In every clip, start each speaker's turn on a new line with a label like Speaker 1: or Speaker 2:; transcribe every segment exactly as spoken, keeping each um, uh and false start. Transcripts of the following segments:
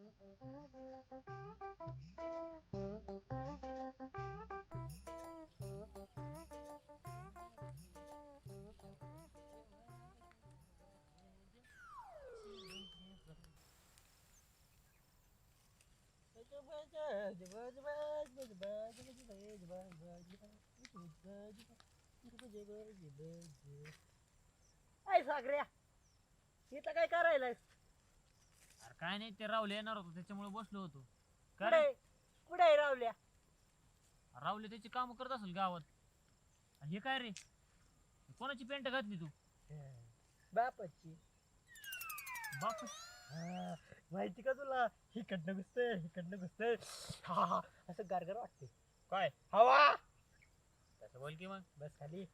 Speaker 1: काय सागऱ्या इथं काय करायला?
Speaker 2: अरे काय नाही, ते रावले येणार होतो त्याच्यामुळे बसलो होतो.
Speaker 1: कुठे कुठे रावल्या?
Speaker 2: रावले त्याची काम करत असेल गावात. आणि हे काय रे, कोणाची पेंट घातली तू?
Speaker 1: बापाची.
Speaker 2: बाप
Speaker 1: हा, माहिती का तुला? हिकडनं घुसतंय हिकडनं घुसतंय, हा हा असं गारगार वाटते.
Speaker 2: काय
Speaker 1: हवा.
Speaker 2: तसं बोल की मग.
Speaker 1: बस खाली.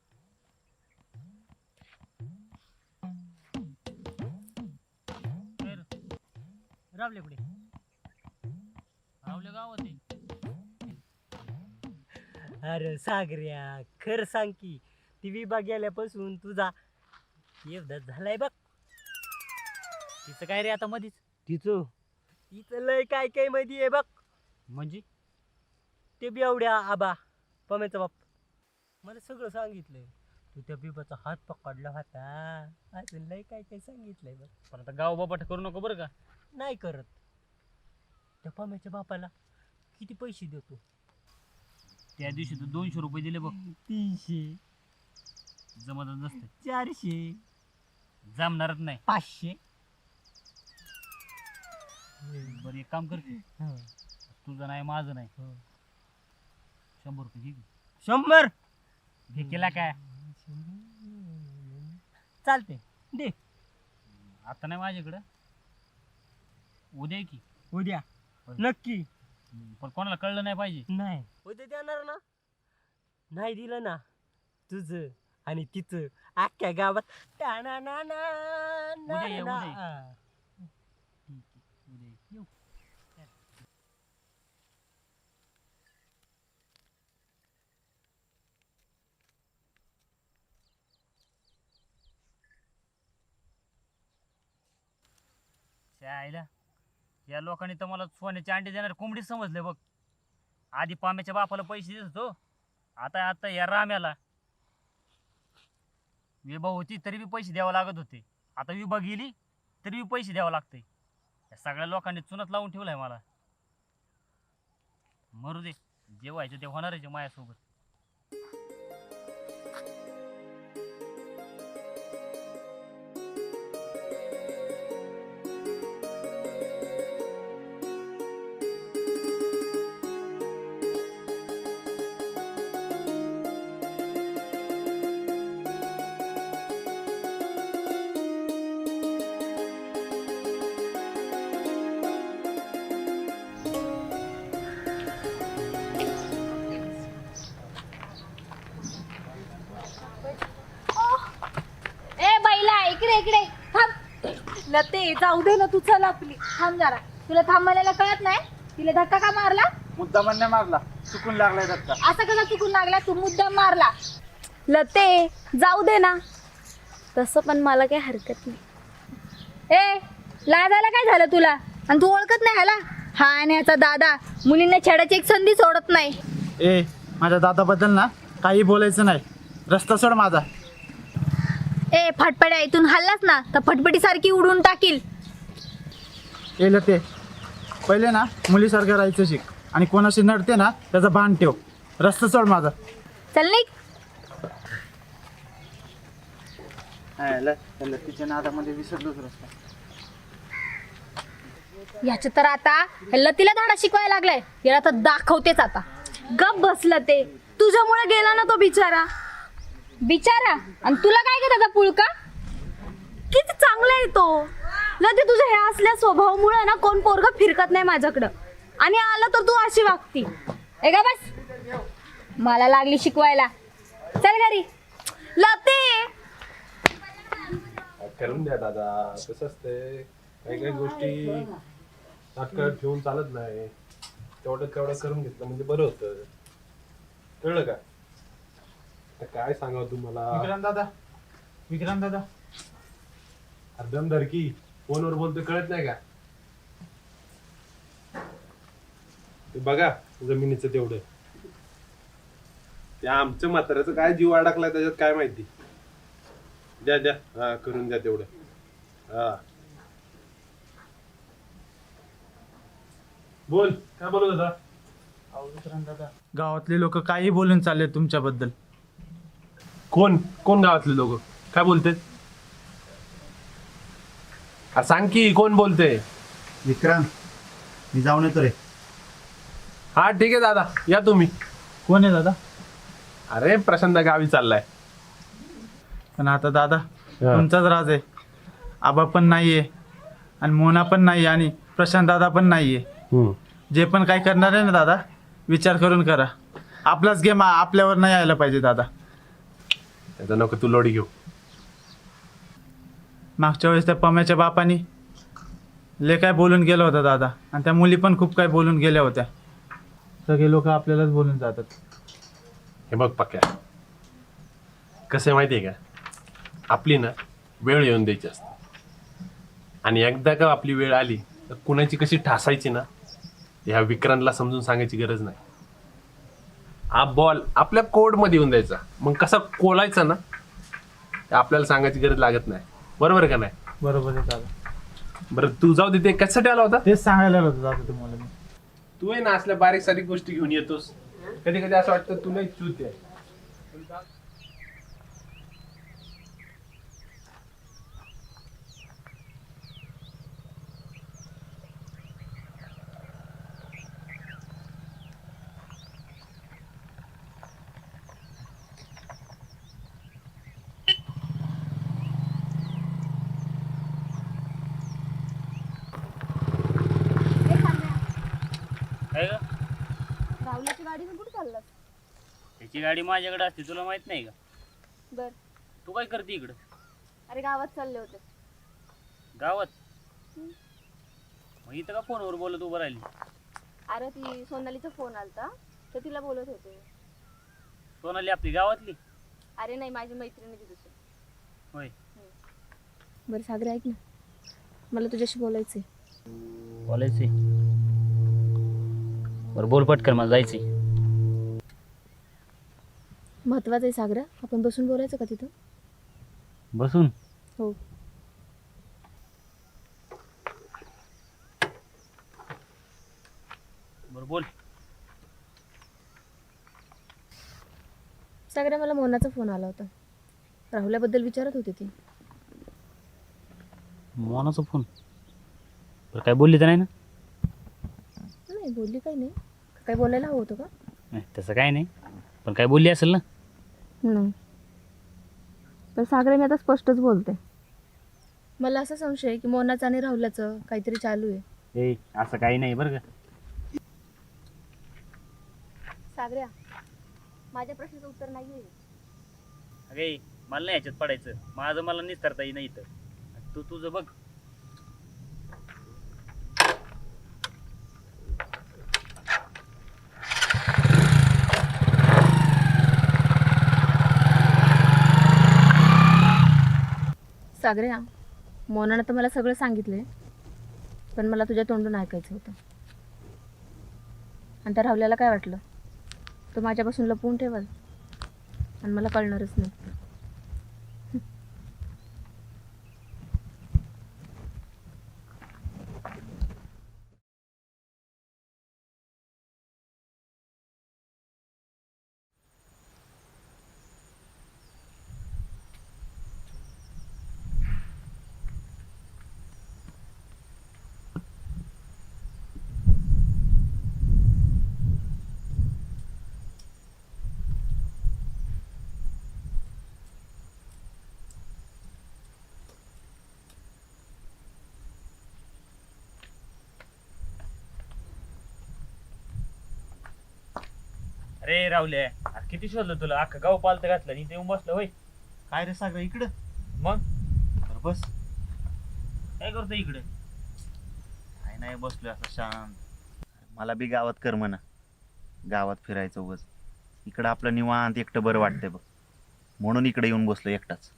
Speaker 2: काय रे?
Speaker 1: रावले कुठे?
Speaker 2: रावले गावात आहे.
Speaker 1: अरे सागऱ्या, खर सांग की ती विभाग गेल्यापासून तुझा एवढाच झालाय बघ.
Speaker 2: तिचं काय रे आता मधीच?
Speaker 1: तिचं तिचं लय काय काय मध्ये आहे बघ.
Speaker 2: म्हणजे
Speaker 1: ते बेवड्या आबा पम्याचा बाप मला सगळं सांगितलंय. तू त्या बिबाचा हात पकडला होता, अजून लय काय काय सांगितलंय बघ.
Speaker 2: पण आता गाव बाबाट करू नको बरं का.
Speaker 1: नाही करत. त्या पम्याच्या बापाला किती पैसे देतो?
Speaker 2: त्या दिवशी तू दोनशे रुपये दिले बघ.
Speaker 1: तीनशे,
Speaker 2: जमतच नसते,
Speaker 1: चारशे,
Speaker 2: जमणारच नाही.
Speaker 1: पाचशे.
Speaker 2: बरं एक काम कर की, तुझं नाही माझं नाही, शंभर रुपये घे की.
Speaker 1: शंभर
Speaker 2: घे केला काय?
Speaker 1: चालते दे.
Speaker 2: आता नाही माझ्याकडं, उद्या ये की.
Speaker 1: उद्या नक्की.
Speaker 2: पण कोणाला कळलं नाही पाहिजे.
Speaker 1: नाही उद्या देणार ना. नाही दिलं ना तुझं आणि तिचं अख्ख्या गावात टाणा ना ना
Speaker 2: उद्या ये,
Speaker 1: ना.
Speaker 2: उद्या ये.
Speaker 1: हा.
Speaker 2: ठीक आहे, उद्या ये. येऊ. आईला या लोकांनी तर मला सोन्याचे अंडे देणार कोंबडी समजले बघ. आधी पाम्याच्या बापाला पैसे देत होतो, आता आता या राम्याला. विभा होती तरी बी पैसे द्यावं लागत होते, आता विभा गेली तरी बी पैसे द्यावं लागते. या सगळ्या लोकांनी चुनत लावून ठेवलाय मला. मरू दे, जे व्हायचं ते होणारच आहे माझ्यासोबत.
Speaker 3: इकडे इकडे थांब. लते जाऊ दे ना तू, चल आपली. थांब जरा, तुला थांबायला कळत नाही? तिला धक्का का मारला?
Speaker 4: मुद्दा म्हणणे मारला, चुकून लागलाय धक्का.
Speaker 3: असं कसा चुकून लागला? तू मुद्दाम मारला. लते जाऊ दे ना. तसं पण मला काही हरकत नाही. ए लाजायला काय झालं तुला? आणि तू ओळखत नाही ह्याला? हा आणि ह्याचा दादा मुलींना छेडाची एक संधी सोडत नाही.
Speaker 4: ए माझ्या दादाबद्दल ना काही बोलायचं नाही, रस्ता सोड माझा.
Speaker 3: ए फटफट्या, इथून हल्लास ना तर फटफटी सारखी उडून टाकील.
Speaker 4: ए लते, पहिले ना मुलीसारखं राहायचं शिक आणि कोणाशी नडते ना त्याचा भान ठेव. रस्ता सोड माझा.
Speaker 3: चल निघ.
Speaker 4: लतीच्या नादामध्ये विसरलोच रस्ता.
Speaker 3: याच्या तर आता लतीला धाडा शिकवायला लागलाय. याला तर दाखवतेच आता. गप बसलं ते. तुझ्यामुळे गेला ना तो बिचारा. बिचारा? आणि तुला काय का त्याचा पुळका? किती चांगला आहे तो. लते तुझ्या ह्या असल्या स्वभावामुळे ना कोण पोरगा फिरकत नाही माझ्याकडं. आणि आलं तर तू अशी वागती. ए का बस, मला लागली शिकवायला. चल घरी. लते
Speaker 5: करून द्या दादा, कसं असते काही काही गोष्टी तात्काळ ठेवून चालत नाही. तेवढं तेवढं करून घेतलं म्हणजे बरं होतं. कळलं का? आता काय सांगावं तुम्हाला.
Speaker 4: विक्रांत दादा, विक्रांत दादा,
Speaker 5: अर्धम धरकी फोनवर बोलतो कळत नाही का? ते बघा जमिनीचं तेवढं. त्या आमच्या म्हाताऱ्याचं काय जीव अडकलाय त्याच्यात काय माहिती. द्या द्या हा करून द्या तेवढं. हा बोल काय बोलत होता?
Speaker 4: दादा गावातले लोक काही बोलून चालले तुमच्याबद्दल.
Speaker 5: कोण कोण गावातले लोक काय बोलते? सांग की कोण बोलते?
Speaker 6: विक्रांत, मी जाऊन येतो रे.
Speaker 5: हा ठीक आहे दादा या तुम्ही.
Speaker 4: कोण आहे दादा?
Speaker 5: अरे प्रशांत गावी चाललाय.
Speaker 4: पण आता दादा तुमचाच राज आहे. आबा पण नाहीये आणि मोना पण नाही आणि प्रशांत दादा पण नाहीये. जे पण काय करणार आहे ना दादा, विचार करून करा. आपलाच गेम आपल्यावर नाही यायला पाहिजे दादा.
Speaker 5: त्याचा नको तू लोडी घेऊ.
Speaker 4: मागच्या वेळेस त्या पम्याच्या बापानी ले काय बोलून गेलं होतं दादा, आणि त्या मुली पण खूप काय बोलून गेल्या होत्या. सगळे लोक आपल्यालाच बोलून जातात.
Speaker 5: हे बघ पक्या, कसं आहे माहिती आहे का, आपली ना वेळ येऊन द्यायची असते. आणि एकदा का आपली वेळ आली तर कुणाची कशी ठासायची ना, ह्या विक्रांतला समजून सांगायची गरज नाही. हा बॉल आपल्या कोडमध्ये येऊन द्यायचा, मग कसा कोलायचा ना ते आपल्याला सांगायची गरज लागत नाही. बरोबर का नाही?
Speaker 4: बरोबर आहे दादा.
Speaker 5: बरं तू जाऊ दे, ते कशासाठी आला होता?
Speaker 4: तेच सांगायला होतं दादा तुम्हाला मी.
Speaker 5: तू आहे ना असल्या बारीक सारीक गोष्टी घेऊन येतोस. कधी कधी असं वाटतं तू नाही चूत आहे.
Speaker 2: काय ग?
Speaker 3: राहुल्याची गाडी कुठे चाललास?
Speaker 2: त्याची गाडी माझ्याकडे असते, तुला माहित नाही का?
Speaker 3: बर.
Speaker 2: तू काय करते इकडं?
Speaker 3: अरे गावात चालले होते.
Speaker 2: गावात? मग इथं का फोनवर बोलत उभं राहिली?
Speaker 3: अरे ती सोनालीचा फोन आलता तर तिला बोलत होते.
Speaker 2: सोनाली आपली गावातली?
Speaker 3: अरे नाही, माझी मैत्रिणी ती दुसरी.
Speaker 2: होय.
Speaker 3: बरं सागर ऐक ना, मला तुझ्याशी बोलायचंय.
Speaker 2: बोलायचंय? बरं बोल पटकन, मला जायचंय.
Speaker 3: महत्वाचं आहे सागरा, आपण बसून बोलायचं का तिथं?
Speaker 2: बसून?
Speaker 3: हो.
Speaker 2: बरं बोल.
Speaker 3: सागरा, मला मोनाचा फोन आला होता. राहुल्याबद्दल विचारत होती ती.
Speaker 2: मोनाचा फोन? बरं काय बोलली तर नाही ना?
Speaker 3: नाही बोलली, काही नाही. काय बोलायला हवं होतं का?
Speaker 2: नाही तसं काय नाही, पण काय बोलली असेल ना?
Speaker 3: नाही. पण सागरा, मी आता स्पष्टच बोलते. मला असा संशय आहे की मोनाचं आणि राहुल्याचं काहीतरी चालू आहे.
Speaker 2: ए असं काही नाही बरं का.
Speaker 3: सागऱ्या, माझ्या प्रश्नाचं उत्तर नाही आहे.
Speaker 2: अगे मला नाही ह्याच्यात पडायचं, माझं मला निस्तारता येई नाही इथं. तू तुझं बघ.
Speaker 3: सागऱ्या, मोनानं तर मला सगळं सांगितलंय, पण मला तुझ्या तोंडून ऐकायचं होतं. आणि त्या राहुल्याला काय वाटलं, तो माझ्यापासून लपवून ठेवाल आणि मला कळणारच नाही.
Speaker 2: अरे राहुल्या, अरे किती शोधलं तुला, अख्खा गाव पालत घातलं आणि इथे येऊन बसलं होय.
Speaker 4: काय रे सागर इकडं?
Speaker 2: मग
Speaker 4: बरं बस.
Speaker 2: काय करतो इकडे?
Speaker 6: काय नाही, बसलोय असं शांत. मला बी गावात करमना, गावात फिरायचं उगाच. इकडं आपलं निवांत एकटं बरं वाटतंय बघ, म्हणून इकडे येऊन बसलो एकटाच.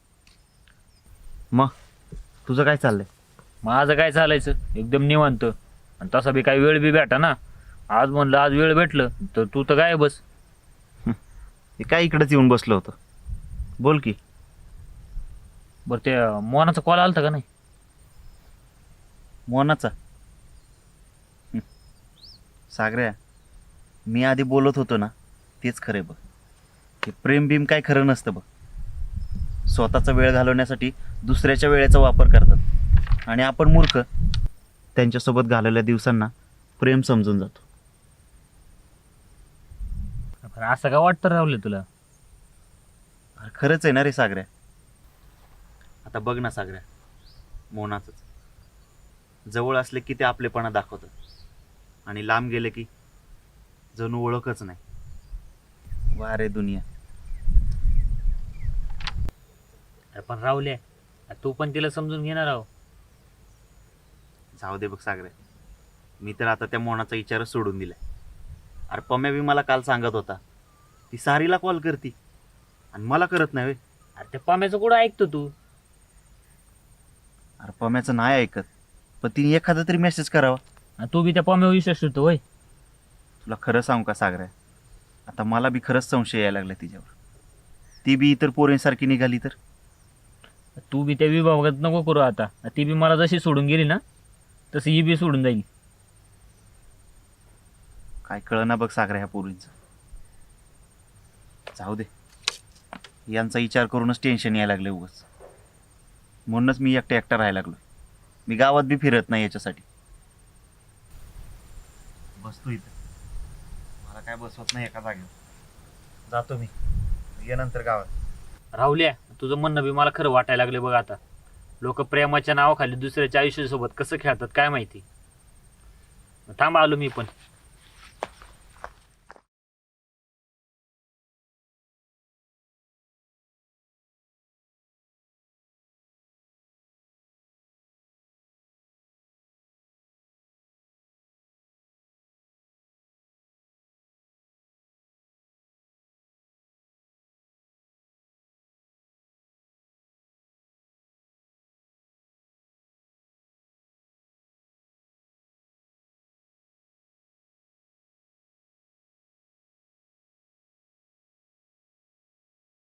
Speaker 6: मग तुझं काय चाललंय?
Speaker 2: माझं काय चालायचं, एकदम निवांत. आणि तसा बी काही वेळ बी भेटा ना, आज म्हणलं आज वेळ भेटलं तर तू तर काय बस.
Speaker 6: हे काय इकडेच येऊन बसलो होतो. बोल की.
Speaker 2: बरं त्या मोनाचा कॉल आलता का नाही?
Speaker 6: मोनाचा हं. सागऱ्या, मी आधी बोलत होतो ना तेच खरे बघ. हे प्रेम बिम काय खरं नसतं बघ. स्वतःचा वेळ घालवण्यासाठी दुसऱ्याच्या वेळेचा वापर करतात आणि आपण मूर्ख त्यांच्यासोबत घालवलेल्या दिवसांना प्रेम समजून जातो.
Speaker 2: पण असं का वाटतं राहुल तुला?
Speaker 6: अरे खरंच आहे ना रे सागऱ्या. आता बघ ना सागऱ्या, मोनाचंच. जवळ असले की ते आपलेपणा दाखवतात आणि लांब गेले की जणू ओळखच नाही. वा रे दुनिया.
Speaker 2: अरे पण राहुल्या, तू पण तिला समजून घेणार आहो.
Speaker 6: जाऊ दे बघ सागऱ्या, मी तर आता त्या मोनाचा विचारच सोडून दिलाय. अरे पम्या बी मला काल सांगत होता ती सारीला कॉल करती आणि मला करत नाही.
Speaker 2: अरे त्या पाम्याचं कुठं ऐकतो तू?
Speaker 6: अरे पम्याचं नाही ऐकत, पण तिने एखादा तरी मेसेज करावा.
Speaker 2: आणि तू बी त्या पाम्यावर विश्वास ठेवतो होय?
Speaker 6: तुला खरं सांगू का सागऱ्या, आता मला बी खरंच संशय यायला लागला तिच्यावर. ती बी इतर पोरींसारखी निघाली तर?
Speaker 2: तू बी त्या विभागात नको करू आता. ती बी मला जशी सोडून गेली ना तशी ही बी सोडून जाईल.
Speaker 6: काय कळना बघ सागऱ्या ह्या पोरींचं. जाऊ दे, यांचा विचार करूनच टेन्शन यायला लागले उगाच. म्हणूनच मी एकटा एकटा राहायला लागलो. मी गावात बी फिरत नाही याच्यासाठी. बसतो इथं, मला काय बसवत नाही एका जागेवर. जातो मी, ये नंतर गावात.
Speaker 2: राहुल्या, तुझं म्हणणं बी मला खरं वाटायला लागले बघ आता. लोक प्रेमाच्या नावाखाली दुसऱ्याच्या आयुष्यासोबत कसं खेळतात काय माहिती. थांब आलो मी पण.